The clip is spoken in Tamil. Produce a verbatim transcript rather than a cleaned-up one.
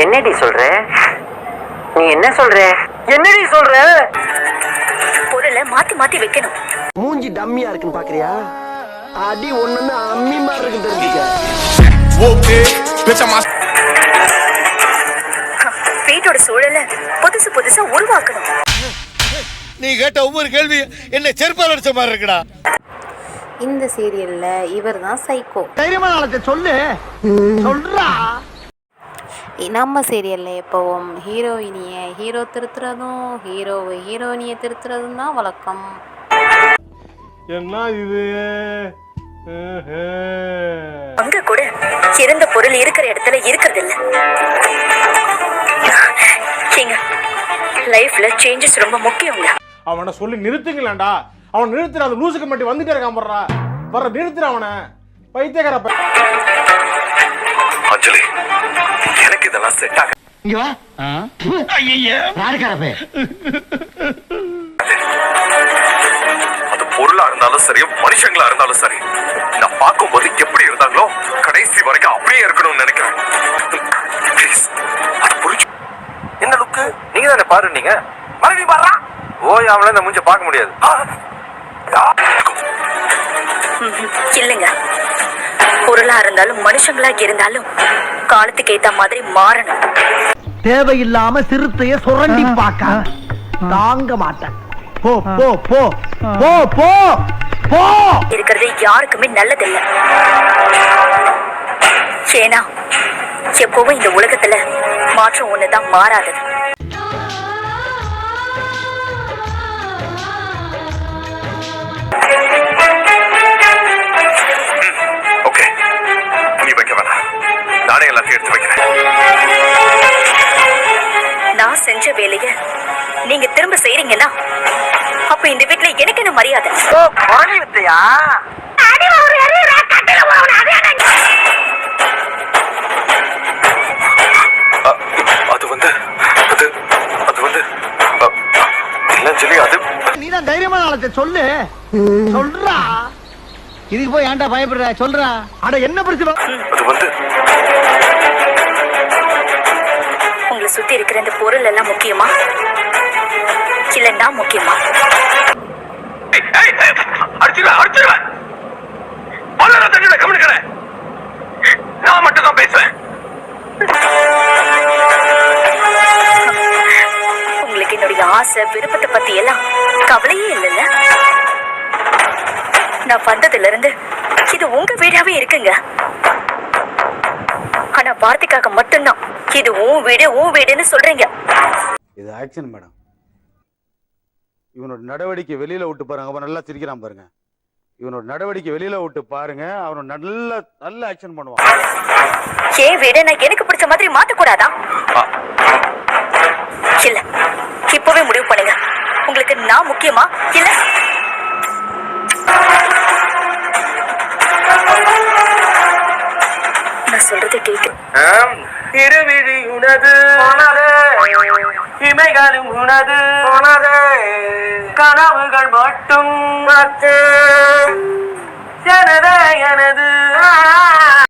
என்னடி சொல்ற? நீ என்ன சொல்ற? என்னடி சொல்ற? பொருளை மாத்தி மாத்தி வைக்கணும். மூஞ்சி டம்மியா இருக்குன்னு பாக்குறியா? அடி ஒண்ணுன்னு அம்மி மாதிரி இருக்கு தெரிஞ்சுக்க. ஓகே பேச்சமா வீட்டோட சூழலை புதுசு புதுசா உருவாக்கணும். நீ கேட்ட ஒவ்வொரு கேள்வி என்ன செருப்பால் அடிச்ச மாதிரி இருக்குடா. இந்த சீரியல்ல இவர் தான் சைக்கோ. தைரியமான ஆளத்தை சொல்லு சொல்றா. நம்ம சீரியல்ல எப்பவும் ஹீரோயினிய ஹீரோ திருத்துறதும் ஹீரோவை ஹீரோயினியை திருத்துறதும் தான் வழக்கம். என்ன இது? அங்க கூட இருந்த பொருள் இருக்கிற இடத்துல இருக்கிறது இல்ல. லைஃப்ல சேஞ்சஸ் ரொம்ப முக்கியங்க. அவனை சொல்லி நிறுத்துங்களேன்டா. அவன் நிறுத்துற அந்த லூசுக்கு மட்டும் வந்துட்டே இருக்கான் போடுறா. வர நிறுத்துற அவனை. பைத்தியக்கார பை. அஞ்சலி எனக்கு இதெல்லாம் செட் ஆக. இங்க வா. ஐயய்ய யாருக்கார பே? அது பொருளா இருந்தாலும் சரி மனுஷங்களா இருந்தாலும் சரி நான் பார்க்கும்போது எப்படி இருந்தாங்களோ கடைசி வரைக்கும் அப்படியே இருக்கணும்னு நினைக்கிறேன். ப்ளீஸ் அது புரிஞ்சு. என்ன லுக்கு நீங்க தானே பாரு. நீங்க மறுபடியும் பாடுறா. ஓய் அவளை இந்த மூஞ்ச பார்க்க முடியாது. இல்லைங்க, பொருளா இருந்தாலும் மனுஷங்களா இருந்தாலும் காலத்துக்கு ஏத்த மாதிரி மாறணும். தேவையில்லாம சிறுத்தைய சுரண்டி பார்க்க தாங்க மாட்டேன். போ போ போ போ போ போ. இருக்கிறது யாருக்குமே நல்லதில்லை. ஏன்னா எப்பவும் இந்த உலகத்துல மாற்றம் ஒண்ணுதான் மாறாதது. ஓகே நீ வைக்க வேணாம். நானே எல்லாத்தையும் எடுத்து வைக்கிறேன். நான் செஞ்ச வேலைய நீங்க திரும்ப செய்றீங்கன்னா அப்ப இந்த வீட்டுல எனக்கு என்ன மரியாதை? அது வந்து அது அது வந்து இல்ல சொல்லி அது நீதான் தைரியமான ஆளத்தை சொல்லு சொல்றா. இதுக்கு போய் ஏன்டா பயப்படுற சொல்றா. அட என்ன பிரச்சனை? அது வந்து உங்களை சுத்தி இருக்கிற இந்த பொருள் எல்லாம் முக்கியமா இல்ல நான் முக்கியமா? அடிச்சுடுவேன் அடிச்சுடுவேன். பல்லர தண்ணியோட கவனிக்கிறேன். நான் மட்டும் தான் பேசுவேன். உங்களுக்கு என்னுடைய ஆசை விருப்பத்தை பத்தி எல்லாம் கவலையே இல்லைல்ல. நான் வந்ததுல இருந்து இது உங்க வீடாவே இருக்குங்க. ஆனா வார்த்தைக்காக மட்டும்தான் இது உன் வீடு உன் வீடுன்னு சொல்றீங்க. இது ஆக்ஷன் மேடம். இவனோட நடவடிக்கை வெளியில விட்டு பாருங்க. அவன் நல்லா சிரிக்கிறான் பாருங்க. இவனோட நடவடிக்கை வெளியில விட்டு பாருங்க. அவன் நல்ல நல்ல ஆக்ஷன் பண்ணுவான். ஏன் வீட நான் எனக்கு பிடிச்ச மாதிரி மாத்த கூடாதா? இல்ல இப்பவே முடிவு பண்ணுங்க. உங்களுக்கு நான் முக்கியமா இல்ல நான் சொல்றது கேக்கு. இருவிழி உனது இமைகளும் உனது கனவுகள் மட்டும் எனது